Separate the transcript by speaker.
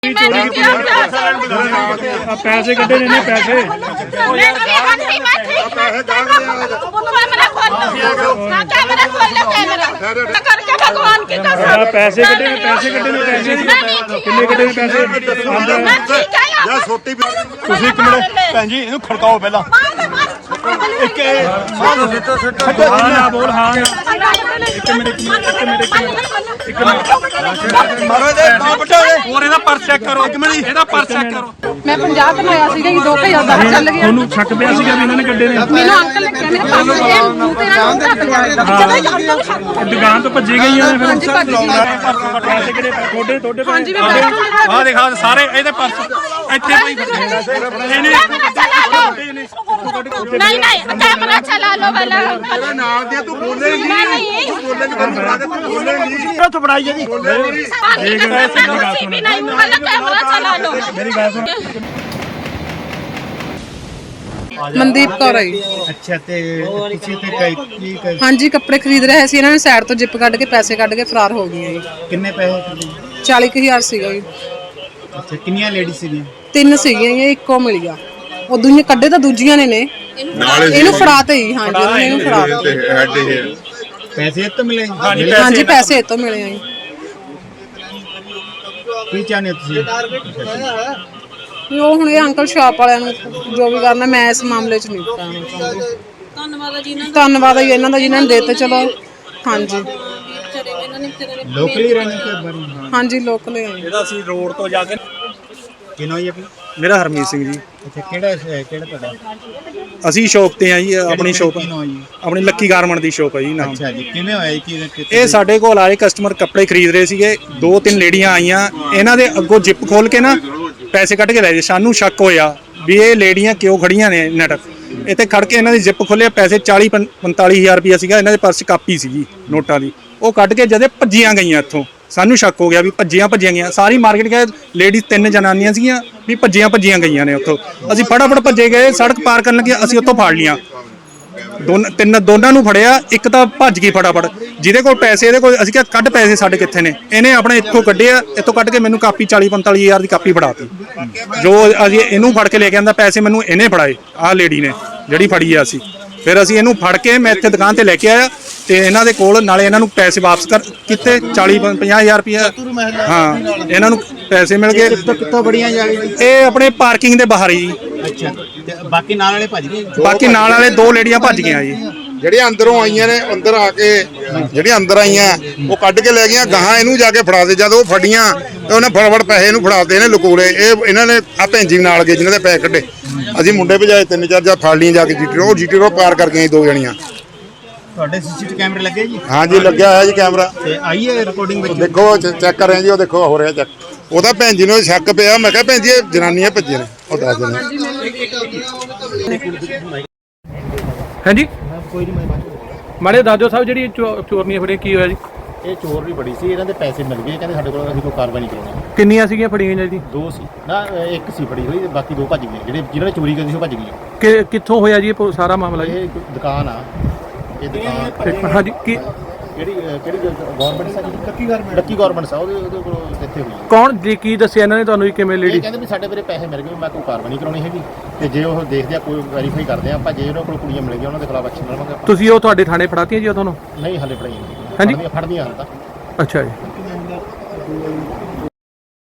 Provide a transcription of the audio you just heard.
Speaker 1: पैसे कटे ने पैसे पैसे कटे ने पैसे किन्ने कटे ने पैसे छोटी भैन जी इन्हू खड़काओ पहला बोल हाँ पर्स चेक करो पर्स चेक करो
Speaker 2: मैं 50 कमाया सीगा 2010 ਚੱਲ ਗਿਆ
Speaker 1: ਉਹਨੂੰ ਛੱਕ ਪਿਆ ਸੀਗਾ ਵੀ ਇਹਨਾਂ ਨੇ ਕੱਢੇ ਨੇ
Speaker 2: ਮੈਨੂੰ ਅੰਕਲ ਨੇ ਕਿਹਾ ਮੇਰੇ ਪਾਸ ਇਹ ਮੂੰਹ ਤੇ ਨਾ ਢੱਕ ਲਿਆ
Speaker 1: ਦੁਕਾਨ ਤੋਂ ਭੱਜੀ ਗਈਆਂ ਨੇ ਫਿਰ ਪੈਸੇ ਕਿਹੜੇ ਤੁਹਾਡੇ
Speaker 2: ਹਾਂਜੀ ਮੈਂ
Speaker 1: ਆ ਦਿਖਾ ਸਾਰੇ ਇਹਦੇ ਪਰਸ ਇੱਥੇ ਪਈ
Speaker 3: नहीं नहीं कैमरा चला लो वाला
Speaker 4: नाल दे तू बोले नहीं तू बोले नहीं तो बढ़ाई जी
Speaker 3: भी नहीं वाला कैमरा चला लो
Speaker 1: मेरी बात सुन
Speaker 2: ਮਨਦੀਪ ਕੌਰ ਹੈ
Speaker 4: अच्छा ते किसी ते की
Speaker 2: ਹਾਂਜੀ ਕੱਪੜੇ ਖਰੀਦ ਰਹੇ ਸੀ ਇਹਨਾਂ ਨੇ ਸਾਈਡ ਤੋਂ ਜਿੱਪ ਕੱਢ ਕੇ ਪੈਸੇ ਕੱਢ ਕੇ ਫਰਾਰ ਹੋ ਗਏ ਜੀ
Speaker 4: कितने पैसे
Speaker 2: 40000 ਸੀਗਾ ਜੀ
Speaker 4: अच्छा कितनी लेडीज सी
Speaker 2: ਤਿੰਨ ਸੀਗੀਆਂ ਜੀ ਇੱਕੋ ਮਿਲ ਗਿਆ ਉਹ ਦੂਜੇ ਕੱਢੇ ਤਾਂ ਦੂਜੀਆਂ ਨੇ ਇਹਨੂੰ ਫੜਾਤੇ ਹੀ ਹਾਂਜੀ ਉਹਨਾਂ ਨੇ ਇਹਨੂੰ ਫੜਾਤੇ
Speaker 4: पैसे तो मिले
Speaker 2: ਹਾਂਜੀ ਪੈਸੇ ਇਹ ਤੋਂ ਮਿਲੇ ਆ ਜੀ
Speaker 4: की चाहने तुसी
Speaker 2: ਉਹ ਹੁਣ ਇਹ ਅੰਕਲ ਸ਼ਾਪ ਵਾਲਿਆਂ ਨੂੰ ਜੋ ਵੀ ਕਰਨਾ ਮੈਂ ਇਸ ਮਾਮਲੇ 'ਚ ਨਹੀਂ ਪਾਉਣਾ ਚਾਹੁੰਦੀ ਧੰਨਵਾਦ ਹੈ ਇਹਨਾਂ ਦਾ ਜਿਨ੍ਹਾਂ ਨੇ ਦਿੱਤੇ ਚਲੋ ਹਾਂਜੀ
Speaker 4: लोकली रहने के बारे
Speaker 2: ਹਾਂਜੀ ਲੋਕਲ ਹੈ
Speaker 1: ਇਹਦਾ ਅਸੀਂ ਰੋਡ ਤੋਂ ਜਾ ਕੇ
Speaker 4: किनो ये अपनी
Speaker 1: ਮੇਰਾ ਹਰਮੀਤ ਸਿੰਘ ਜੀ
Speaker 4: अच्छा केड़ा ਤੁਹਾਡਾ
Speaker 1: ਅਸੀਂ ਸ਼ੌਪ ਤੇ ਆ ਜੀ ਆਪਣੀ ਸ਼ੌਪ
Speaker 4: किनो जी
Speaker 1: ਆਪਣੀ ਲੱਕੀ ਗਾਰਮੈਂਟ ਦੀ ਸ਼ੌਪ ਹੈ ਜੀ ਨਾਮ
Speaker 4: अच्छा जी किਵੇਂ ਹੋਇਆ कि
Speaker 1: ਇਹ ਸਾਡੇ ਕੋਲ ਆਏ ਕਸਟਮਰ ਕੱਪੜੇ ਖਰੀਦ ਰਹੇ ਸੀਗੇ ਦੋ ਤਿੰਨ ਲੇਡੀਆਂ ਆਈਆਂ ਇਹਨਾਂ ਦੇ ਅੱਗੋਂ ਜਿੱਪ ਖੋਲ ਕੇ ਨਾ ਪੈਸੇ ਕੱਢ ਕੇ ਲੈ ਗਏ ਸਾਨੂੰ ਸ਼ੱਕ ਹੋਇਆ ਵੀ ਇਹ ਲੇਡੀਆਂ ਕਿਉਂ ਖੜੀਆਂ ਨੇ ਨਟ ਇੱਥੇ ਖੜ ਕੇ ਇਹਨਾਂ ਦੀ ਜਿੱਪ ਖੋਲਿਆ ਪੈਸੇ 40-45,000 ਰੁਪਇਆ ਸੀਗਾ ਇਹਨਾਂ ਦੇ ਪਰਸ ਕਾਪੀ ਸੀਗੀ ਨੋਟਾਂ ਦੀ ਉਹ ਕੱਢ ਕੇ ਜਦੇ ਭੱਜੀਆਂ ਗਈਆਂ ਇੱਥੋਂ ਸਾਨੂੰ ਸ਼ੱਕ ਹੋ ਗਿਆ ਵੀ ਭੱਜੀਆਂ ਗਈਆਂ ਸਾਰੀ ਮਾਰਕੀਟ ਗਏ ਲੇਡੀਜ਼ ਤਿੰਨ ਜਨਾਨੀਆਂ ਸੀਗੀਆਂ ਵੀ ਭੱਜੀਆਂ ਗਈਆਂ ਨੇ ਉੱਥੋਂ ਅਸੀਂ ਫਟਾਫਟ ਭੱਜੇ ਗਏ ਸੜਕ ਪਾਰ ਕਰਨ ਲੱਗੇ ਅਸੀਂ ਉੱਥੋਂ ਫੜ ਲੀਆਂ ਦੋਨਾਂ ਨੂੰ ਫੜਿਆ ਇੱਕ ਤਾਂ ਭੱਜ ਗਈ ਫਟਾਫਟ ਜਿਹਦੇ ਕੋਲ ਪੈਸੇ ਇਹਦੇ ਕੋਲ ਅਸੀਂ ਕਿਹਾ ਕੱਢ ਪੈਸੇ ਸਾਡੇ ਕਿੱਥੇ ਨੇ ਇਹਨੇ ਆਪਣੇ ਇੱਥੋਂ ਕੱਢਿਆ ਇੱਥੋਂ ਕੱਢ ਕੇ ਮੈਨੂੰ ਕਾਪੀ 40-45,000 ਦੀ ਕਾਪੀ ਫੜਾਤੀ ਜੋ ਅਸੀਂ ਇਹਨੂੰ ਫੜ ਕੇ ਲੈ ਕੇ ਆਂਦਾ ਪੈਸੇ ਮੈਨੂੰ ਇਹਨੇ ਫੜਾਏ ਆਹ ਲੇਡੀ ਨੇ ਜਿਹੜੀ ਫੜੀ ਆ ਅਸੀਂ ਫਿਰ ਅਸੀਂ ਇਹਨੂੰ ਫੜ ਕੇ ਮੈਂ ਇੱਥੇ ਦੁਕਾਨ ਤੇ ਲੈ ਕੇ ਆਇਆ ਤੇ ਇਹਨਾਂ ਦੇ ਕੋਲ ਨਾਲੇ ਇਹਨਾਂ ਨੂੰ ਪੈਸੇ ਵਾਪਸ ਕੀਤੇ 40-50,000 ਰੁਪਇਆ ਹਾਂ ਇਹਨਾਂ ਨੂੰ ਪੈਸੇ ਮਿਲ ਗਏ
Speaker 4: ਕਿੱਥੋਂ ਬੜੀਆਂ ਜਾ ਗਈ
Speaker 1: ਇਹ ਆਪਣੇ ਪਾਰਕਿੰਗ ਦੇ ਬਾਹਰ ਹੀ
Speaker 4: ਅੱਛਾ ਤੇ ਬਾਕੀ ਨਾਲ ਵਾਲੇ ਭੱਜ ਗਏ
Speaker 1: ਬਾਕੀ ਨਾਲ ਵਾਲੇ ਦੋ ਲੇਡੀਆਂ ਭੱਜ ਗਈਆਂ ਜੀ
Speaker 5: ਜਿਹੜੀਆਂ ਅੰਦਰੋਂ ਆਈਆਂ ਨੇ ਅੰਦਰ ਆ ਕੇ ਜਿਹੜੀਆਂ ਅੰਦਰ ਆਈਆਂ ਉਹ ਕੱਢ ਕੇ ਲੈ ਗਈਆਂ ਗਾਹਾਂ ਇਹਨੂੰ ਜਾ ਕੇ ਫੜਾ ਦੇ ਜਦ ਉਹ ਫੜੀਆਂ ਤੇ ਉਹਨੇ ਫਟਾਫਟ ਪੈਸੇ ਇਹਨੂੰ ਫੜਾਤੇ ਇਹਨੇ ਲਕੋੜੇ ਇਹ ਇਹਨਾਂ ਨੇ ਆ ਭੈਣ ਜੀ ਨਾਲ ਗਏ ਜਿਨ੍ਹਾਂ ਦੇ ਪੈਸੇ ਕੱਢੇ ਅਸੀਂ ਮੁੰਡੇ ਭਜਾਏ ਤਿੰਨ ਚਾਰ ਜਾਂ ਫੜ ਲਈਆਂ ਜਾ ਕੇ ਜੀਟੀ ਰੋਡ ਪਾਰ ਕਰਕੇ ਆਈ ਦੋ ਜਣੀਆਂ
Speaker 4: ਤੁਹਾਡੇ ਸੀਸੀਟੀਵੀ ਕੈਮਰੇ ਲੱਗੇ ਜੀ
Speaker 5: ਹਾਂਜੀ ਲੱਗਿਆ ਹੋਇਆ ਜੀ ਕੈਮਰਾ
Speaker 4: ਤੇ ਆਈ ਹੈ ਰਿਕਾਰਡਿੰਗ ਵਿੱਚ
Speaker 5: ਦੇਖੋ ਚੈੱਕ ਕਰ ਰਹੇ ਜੀ ਉਹ ਦੇਖੋ ਹੋ ਰਿਹਾ ਚੈੱਕ ਉਹਦਾ ਭੈਣ ਜੀ ਨੂੰ ਸ਼ੱਕ ਪਿਆ ਮੈਂ ਕਿਹਾ ਭੈਣ ਜੀ ਇਹ ਜਨਾਨੀਆਂ ਭੱਜੀਆਂ ਨੇ ਉਹ ਦੱਸ ਦੇਣਾ
Speaker 1: ਹਾਂਜੀ ਮਾੜੇ ਦਾਦੋ ਸਾਹਿਬ ਜਿਹੜੀ ਚੋਰਨੀਆਂ ਫੜੀਆਂ ਕੀ ਹੋਇਆ ਜੀ
Speaker 6: ਇਹ ਚੋਰ ਵੀ ਬੜੀ ਸੀ ਇਹਨਾਂ ਦੇ ਪੈਸੇ ਮਿਲ ਗਏ ਕਹਿੰਦੇ ਸਾਡੇ ਕੋਲ ਅਸੀਂ ਕੋਈ ਕਾਰਵਾਈ ਨਹੀਂ ਕਰਾਉਣੀ
Speaker 1: ਕਿੰਨੀਆਂ ਸੀਗੀਆਂ ਫੜੀਆਂ ਜੀ
Speaker 6: ਦੋ ਸੀ ਨਾ ਇੱਕ ਸੀ ਫੜੀ ਹੋਈ ਤੇ ਬਾਕੀ ਦੋ ਭੱਜ ਗਏ ਜਿਨ੍ਹਾਂ ਨੇ ਚੋਰੀ ਕੀਤੀ ਸੀ ਉਹ ਭੱਜ ਗਏ
Speaker 1: ਕਿੱਥੋਂ ਹੋਇਆ ਜੀ ਇਹ ਸਾਰਾ ਮਾਮਲਾ ਜੀ
Speaker 6: ਇਹ ਦੁਕਾਨ ਆ ਇਹ ਦੁਕਾਨ
Speaker 1: ਹਾਂਜੀ ਕੀ
Speaker 6: ਕਿਹੜੀ ਗਵਰਨਮੈਂਟ ਸਾ ਲੱਕੀ ਗਵਰਨਮੈਂਟ ਸਾ ਉਹਦੇ ਕੋਲ ਇੱਥੇ ਹੋਈ
Speaker 1: ਕੌਣ ਜੀ ਕੀ ਦੱਸਿਆ ਇਹਨਾਂ ਨੇ ਤੁਹਾਨੂੰ ਕਿਵੇਂ
Speaker 6: ਇਹ
Speaker 1: ਲੇਡੀ
Speaker 6: ਕਹਿੰਦੇ ਵੀ ਸਾਡੇ ਮੇਰੇ ਪੈਸੇ ਮਿਲ ਗਏ ਮੈਂ ਕੋਈ ਕਾਰਵਾਈ ਨਹੀਂ ਕਰਾਉਣੀ ਹੈਗੀ ਤੇ ਜੇ ਉਹ ਦੇਖਦੇ ਆ ਕੋਈ ਵੈਰੀਫਾਈ ਕਰਦੇ ਆ ਆਪਾਂ ਜੇ ਉਹਨਾਂ ਕੋਲ ਕੁੜੀਆਂ ਮਿਲ ਗਈਆਂ ਉਹਨਾਂ ਦੇ ਖਿਲਾਫ ਐਕਸ਼ਨ ਲਵਾਂਗੇ
Speaker 1: ਤੁਸੀਂ ਉਹ ਤੁਹਾਡੇ ਥਾਣੇ ਫੜਾਤੀਆਂ ਜੀ ਉਹ ਤੁਹਾਨੂੰ
Speaker 6: ਨਹੀਂ ਹਲੇ ਫੜਾਈ
Speaker 1: ਹਾਂਜੀ
Speaker 6: ਫੜਦੀਆਂ ਹਾਲ ਤਾਂ
Speaker 1: ਅੱਛਾ ਜੀ